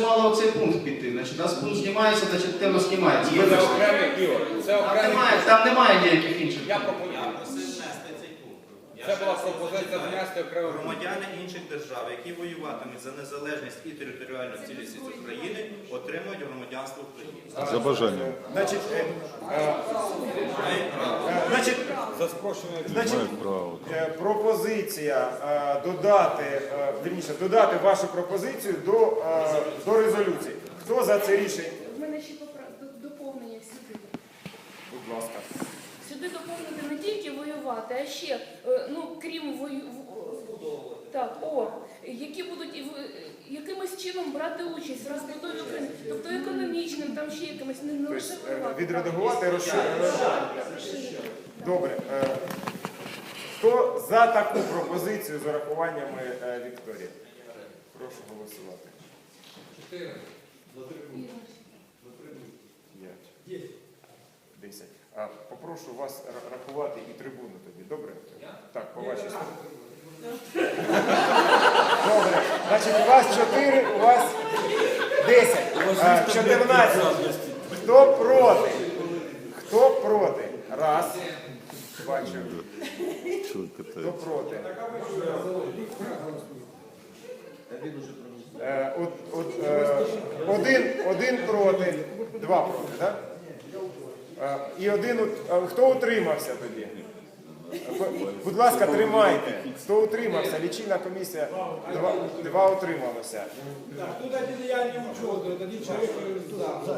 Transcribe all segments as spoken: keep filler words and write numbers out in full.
мало оцей пункт піти. Значить, у нас пункт знімається, значить тема знімається. Це окремий, Ігор, це Там окремий. немає, там немає ніяких інших. Я пропоную. Я просив внести цей пункт. Це була пропозиція внести окремий. Громадяни інших держав, які воюватимуть за незалежність і територіальну цілісність України, отримують громадянство України. За бажанням. Значить, е, е, е, значить, За спрощеною. значить, Мають право. е, пропозиція е, додати, е, вірніше, додати вашу пропозицію до, е, до резолюції. Хто за це рішення? У мене ще попра- до- доповнення сюди. Будь ласка. Сюди доповнити не тільки воювати, а ще, е, ну, крім вою... в- Так, о, які будуть і в- якимось чином брати участь в розбудові України, тобто економічним, там ще якимось, не, не лише Тобто, е, воювати. відредагувати, розширити. Так, розширити. Добре. Е, Хто за таку пропозицію з урахуваннями е, Вікторії? Прошу голосувати. П'ять. Десять. А, попрошу вас ра- рахувати і трибуну тоді. Добре? Так, по вашій стороні. Добре. Значить, у вас чотири, у вас десять. А, чотирнадцять. Хто проти? Хто проти? Раз. Бачу. Хто проти? Е, от, от, е, один, один проти, два проти, так? Е, і один, ут- е, хто утримався тоді? Е, Будь ласка, тримайте. Хто утримався? Лічильна комісія, два, два утрималося. Тут один я не учет, один человек туда.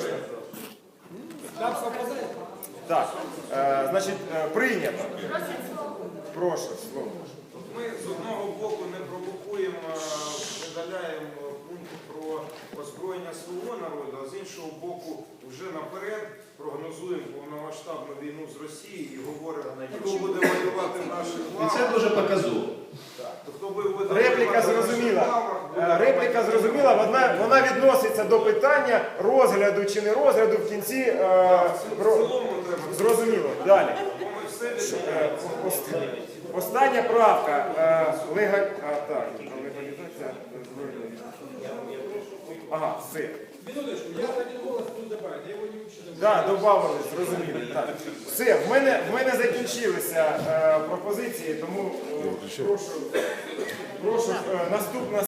Там совпадает? Так, е, значить, е, прийнято. Прошу, слово. Ми з одного боку не провокуємо, видаляємо пункти про озброєння свого народу, а з іншого боку вже наперед прогнозуємо повномасштабну війну з Росією і говоримо, хто буде воювати в наших І лавах. це дуже показово. То хто буде воювати Репліка в наших зрозуміла. лавах, буде Е, Репліка зрозуміла, вона, вона відноситься до питання розгляду чи не розгляду в кінці. Е, в про... цілому треба. Зрозуміло. Далі. Бо ми все Е, відмовляємо. ост- Остання правка. Е, лега... а, так, легалізація збройної. Ага, все. Минуточку, я один голос тут добавить, я его не учитываю. Так, додавали, зрозуміло. Так. Все, в мене, в мене закінчилися е, пропозиції, тому е, прошу, прошу е, наступна.